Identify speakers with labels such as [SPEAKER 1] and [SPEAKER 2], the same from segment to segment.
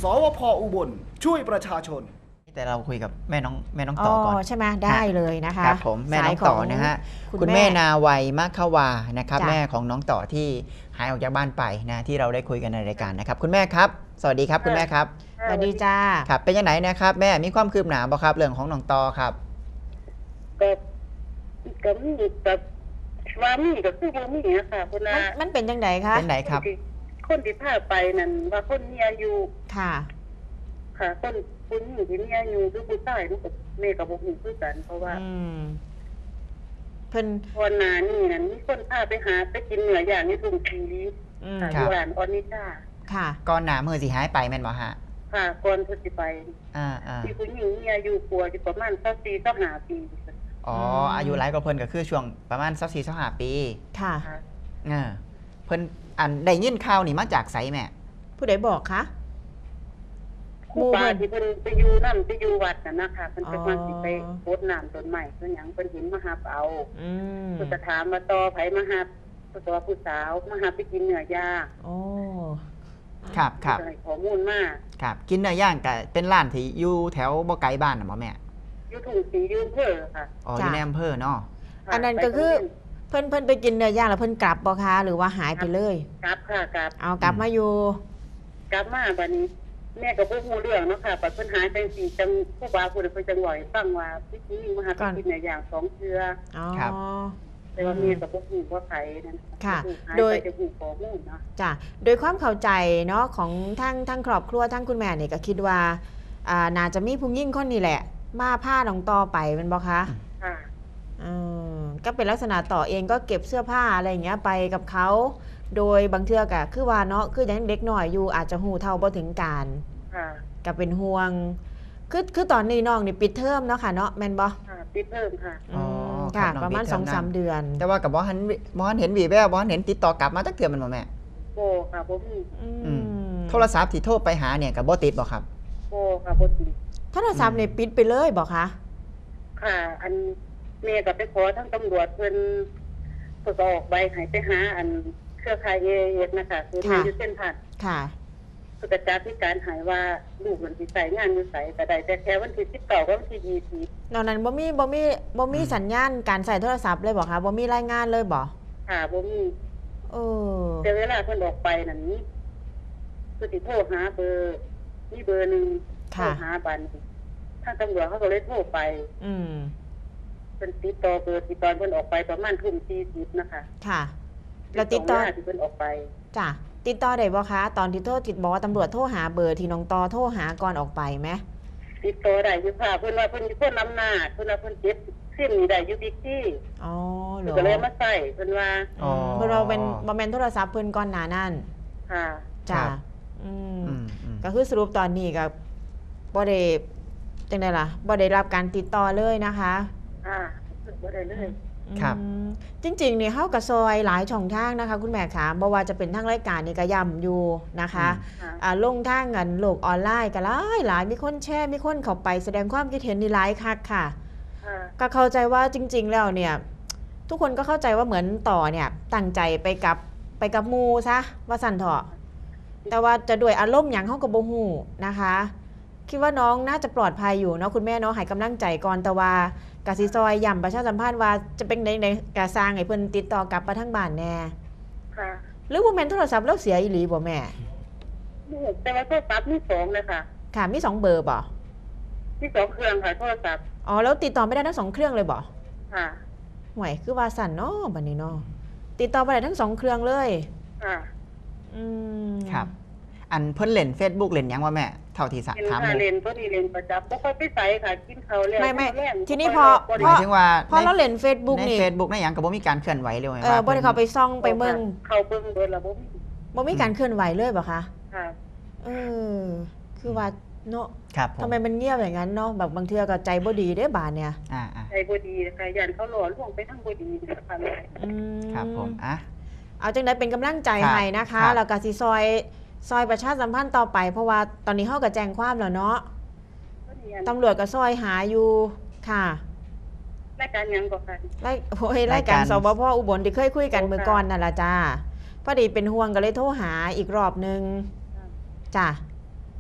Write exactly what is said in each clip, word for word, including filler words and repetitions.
[SPEAKER 1] สวพ.อุบลช่วยประชาชน
[SPEAKER 2] แต่เราคุยกับแม่น้องแม่น้องต่อก่อน
[SPEAKER 3] ใช่ไหมได้เลยนะคะ
[SPEAKER 2] ครับผมแม่น้องต่อนะฮะคุณแม่นาวัยมะขวานะครับแม่ของน้องต่อที่หายออกจากบ้านไปนะที่เราได้คุยกันในรายการนะครับคุณแม่ครับสวัสดีครับคุณแม่ครับ
[SPEAKER 3] สวัสดีจ้า
[SPEAKER 2] ครับเป็นยังไงนะครับแม่มีความคืบหน้าบ่ครับเรื่องของน้องต่อครับ
[SPEAKER 4] ก็ก็มีแบบว่ามีก็คือบ่มีอะค่ะคุณอา
[SPEAKER 3] มันเป็นยังไงคะ
[SPEAKER 2] เป็นไหนครับ
[SPEAKER 4] คนที่พาไปนั่นว่าคนมีอายุ
[SPEAKER 3] ค่ะ
[SPEAKER 4] ค่ะคนคุณอยู่ที่มีอายุหรือผู้ชายลูกกับแม่กับบ่ฮู้คือกันเพราะว่า
[SPEAKER 3] เพิ่น
[SPEAKER 4] วันนานี่นั่นมีคนพาไปหาไปกินเนื้อย่างในทุ่งทีค่ะอยู่ร้านออนิชา
[SPEAKER 3] ค่ะ
[SPEAKER 2] ก่อนหน้ามื้อสิหายไปแม่นบ่ฮะ
[SPEAKER 4] ค่ะก่อนเพิ่นสิไป
[SPEAKER 2] อ่าๆ
[SPEAKER 4] มีผู้หญิงมีอายุกว่าอยู่ประมาณสักสี่ถึงห้าปี
[SPEAKER 2] อ๋ออายุหลายกว่าเพิ่นก็คือช่วงประมาณสักสี่ถึงห้าปี
[SPEAKER 3] ค่ะ
[SPEAKER 2] เออเพิ่นอันได้ยินข่าวนี่มาจากไสแม่
[SPEAKER 3] ผู้ใดบอกคะ
[SPEAKER 4] ครูบาที่เพิ่นไปอยู่นั่นไปอยู่วัดน่ะนะคะเพิ่นไปมาสิไปโพดน้ำต้นไม้เพิ่นหยังเพิ่นเห็นมาหาเอา
[SPEAKER 3] อืม
[SPEAKER 4] เพิ่นก็ถามว่าต่อไผมาหาตัวผู้สาวมาหาไปกินเนื้อย่าง
[SPEAKER 3] โอ้
[SPEAKER 2] ครับครับ
[SPEAKER 4] ให้ข้อมูลมา
[SPEAKER 2] ครับกินเนื้อย่างก็เป็นร้านที่อยู่แถวบ่ไกลบ้านน่ะบ่แม่
[SPEAKER 4] อยู่ทุ่งศรีอยู่อำเภอค่ะ
[SPEAKER 2] อ๋ออยู่ในอำเภอเนาะ
[SPEAKER 3] อันนั้นก็คือเพิ่นเพิ่นไปกินเนื้อย่างแล้วเพิ่นกลับบ่คะหรือว่าหายไปเลย
[SPEAKER 4] กลับค่ะกลับ
[SPEAKER 3] เอากลับมาอยู่
[SPEAKER 4] กลับมาบัดนี้แม่ก็บ่ฮู้เรื่องเนาะค่ะปัดเพิ่นหายจังซี่จังผู้บ่าวผู้ใดเพิ่นจังว่าให้ฟังว่าพี่หญิงมาหาไปกินเนื้อย่างสองเทื่อ
[SPEAKER 3] อ๋อ
[SPEAKER 4] แต่ว่าแม่ก็บ่ฮู้ว่าไผนั่น
[SPEAKER 3] ค่ะโดย
[SPEAKER 4] จะฮู้ข้อมูลเนาะ
[SPEAKER 3] จ้ะโดยความเข้าใจเนาะของทั้งทั้งครอบครัวทั้งคุณแม่นี่ก็คิดว่าอ่าน่าจะมีผู้หญิงคนนี้แหละมาพาน้องต่อไปแม่นบ่คะ
[SPEAKER 4] ค่ะ
[SPEAKER 3] อืมก็เป็นลักษณะต่อเองก็เก็บเสื้อผ้าอะไรอย่างเงี้ยไปกับเขาโดยบางเทื่อกะคือว่าเนาะคือยังเด็กหน่อยอยู่อาจจะหูเท่าบ่ถึงการก็เป็นห่วงคือคือตอนนี้น้องนี่ปิดเทอมเนาะค่ะเนาะแม่นบ่
[SPEAKER 4] ค่ะปิดเทอมค่ะ
[SPEAKER 3] อ๋อค่ะประมาณ สองสาม เดือน
[SPEAKER 2] แต่ว่ากับบ่ทันบ่ทันเห็นวีแววบ่ทันเห็นติดต่อกลับมาจักเทื่อมันบ่แม่
[SPEAKER 4] โอ้ค่ะบ่มี
[SPEAKER 3] อืม
[SPEAKER 2] โทรศัพท์ที่โทรไปหาเนี่ยก็บ่ติดบ่ครับ
[SPEAKER 4] โอ้ค่ะบ่ติด
[SPEAKER 3] โทรศัพท์นี่ปิดไปเลยบ่คะ
[SPEAKER 4] ค่ะอันแม่ก็ไปขอทั้งตำรวจเพิ่นเพิ่นก็ออกใบให้ไปหาอันเครือข่าย เอ เอส นะคะคือมีอยู่เส้นผ่าน
[SPEAKER 3] ค่ะ
[SPEAKER 4] เพิ่นก็จัดที่การหายว่าลูกมันสิใส่งานอยู่ไสก็ได้แต่แค่วันที่สิบเก้ากับวันที่ยี่สิบ
[SPEAKER 3] นอกนั้นบ่มีบ่มีบ่มีสัญญาณการใช้โทรศัพท์เลยบ่คะบ่มีรายงานเลยบ่
[SPEAKER 4] ค่ะบ่มี
[SPEAKER 3] เออ
[SPEAKER 4] แต่เวลาเพิ่นออกไปนั่นนี่คือสิโทรหาเบอร์มีเบอร์นึงโทรหาบัดนี้ทางตำรวจเขาก็เลยโทรไป
[SPEAKER 3] อืม
[SPEAKER 4] เพิ่นติดต่อเบอร์ที่ตอนเพิ่นออกไปประมาณทุ่มสี่สิบนะคะ
[SPEAKER 3] ค่ะแล้วติดต่อ
[SPEAKER 4] ที่เพิ่นออกไป
[SPEAKER 3] จ้ะติดต่อได้บ่คะตอนที่โทรติดบอกว่าตำรวจโทรหาเบอร์ที่น้องต่อโทรหาก่อนออกไปไหม
[SPEAKER 4] ติดต่อได้อยู่ค่ะเพิ่นว่าเพิ่นอยู่คนนำหน้าเพิ่นว่าเพิ่นเจ็บซิมนี่ได้อยู่บิ๊กซี่
[SPEAKER 3] อ๋อเหรอ
[SPEAKER 4] ก็เลยมาใส่เพิ่นว่า
[SPEAKER 3] อ๋อเพิ่นว่าเป็นบ่แม่นโทรศัพท์เพิ่นก่อนหน้านั้น
[SPEAKER 4] ค่ะ
[SPEAKER 3] จ้ะอืมก็คือสรุปตอนนี้ก็บ่ได้จังได๋ล่ะบ่ได้รับการติดต่อเลยนะคะ
[SPEAKER 4] อ่าบ่ได้เลย
[SPEAKER 2] ครับ
[SPEAKER 3] จริงๆนี่เฮาก็ซอยหลายช่องทางนะคะคุณแม่ค่ะบ่ว่าจะเป็นทางรายการนี่ก็ย้ำอยู่นะคะอ่าลงทางกันโลกออนไลน์ก็หลายหลายมีคนแชร์มีคนเข้าไปแสดงความคิดเห็นนี่หลายคักค่ะก็เข้าใจว่าจริงๆแล้วเนี่ยทุกคนก็เข้าใจว่าเหมือนต่อเนี่ยตั้งใจไปกับไปกับหมู่ซะว่าสั่นเถาะแต่ว่าจะด้วยอารมณ์หยังเฮาก็บ่ฮู้นะคะคิดว่าน้องน่าจะปลอดภัยอยู่เนาะคุณแม่เนาะให้กำลังใจก่อนแต่ว่ากสิซอยย้ำประชาสัมพันธ์ว่าจะเป็นในกะสร้างให้เพิ่นติดต่อกลับมาทางบ้านแน่
[SPEAKER 4] ค่ะ
[SPEAKER 3] หรือว่าแม่นโทรศัพท์แล้วเสียอีหลีบ่แม่
[SPEAKER 4] แต่ว่าโทรศัพท์มีสองเลยค่ะ
[SPEAKER 3] ค่ะมีสองเบอร์บ่
[SPEAKER 4] มีสองเครื่องค่ะโทรศัพท์
[SPEAKER 3] อ๋อแล้วติดต่อไม่ได้ทั้งสองเครื่องเลยบ่
[SPEAKER 4] ค่ะ
[SPEAKER 3] ห่วยคือว่าสั่นเนาะบัดนี้เนาะติดต่อบ่ได้ทั้งสองเครื่องเลย
[SPEAKER 4] ค่ะ
[SPEAKER 3] อืม
[SPEAKER 2] ครับอันเพิ่นเล่น Facebook เล่นหยังวะแม่เท่าที่ถาม
[SPEAKER 4] หมู่เล่นเพิ่นนี่เล่นประจำบ่ค่อยไปไสค่ะกินข้าวแล้ว
[SPEAKER 3] ไม่ๆทีนี้พอ
[SPEAKER 2] หมายถึงว่า
[SPEAKER 3] พอเราเล่น Facebook นี่
[SPEAKER 2] ใน Facebook ในหยังก็บ่มีการเคลื่อนไหวเลยว่า
[SPEAKER 3] เออบ่ได้เข้าไปซ่องไปเบิ่ง
[SPEAKER 4] เข้าเบิ่งเบิดแล้วบ่มี
[SPEAKER 3] บ่มีการเคลื่อนไหวเลยบ่คะ
[SPEAKER 4] ค่ะ
[SPEAKER 3] เออคือว่าเนาะ
[SPEAKER 2] ครับ
[SPEAKER 3] ทำไมมันเงียบอย่างนั้นเนาะแบบบางเทื่อก็ใจบ่ดีเด้บาดเนี่ย
[SPEAKER 2] อ่า
[SPEAKER 4] ๆใจบ่ดีค่ะยันเขาหลอนลวงไปทางบ่ดีนะคะ
[SPEAKER 3] อืม
[SPEAKER 2] ครับผมอ่ะ
[SPEAKER 3] เอาจังได๋เป็นกำลังใจให้นะคะแล้วก็สิซอยซอยประชาสัมพันธ์ต่อไปเพราะว่าตอนนี้เฮาก็แจ้งความแล้วเนาะตำรวจก็ซอยหาอยู่ค่ะ
[SPEAKER 4] รายการยังก็ค่ะ
[SPEAKER 3] รายโอ้ยรายการสบพ.อุบลที่เคยคุยกันเมื่อก่อนนั่นล่ะจ้าพอดีเป็นห่วงก็เลยโทรหาอีกรอบนึงจ้ะ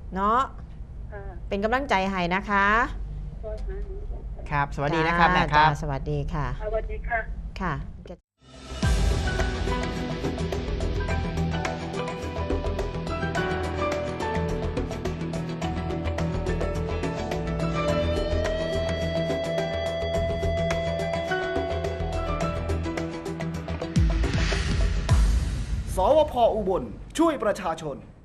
[SPEAKER 3] เนาะ
[SPEAKER 4] ค่ะ
[SPEAKER 3] เป็นกำลังใจให้นะคะ
[SPEAKER 4] ซอยหา
[SPEAKER 2] ครับ สวัสดีนะครับแม่ค
[SPEAKER 3] จ้า
[SPEAKER 2] รับ
[SPEAKER 3] สวัสดีค่ะ
[SPEAKER 4] สวัสดีค่ะ
[SPEAKER 3] ค่ะ
[SPEAKER 1] สวพอุบลช่วยประชาชน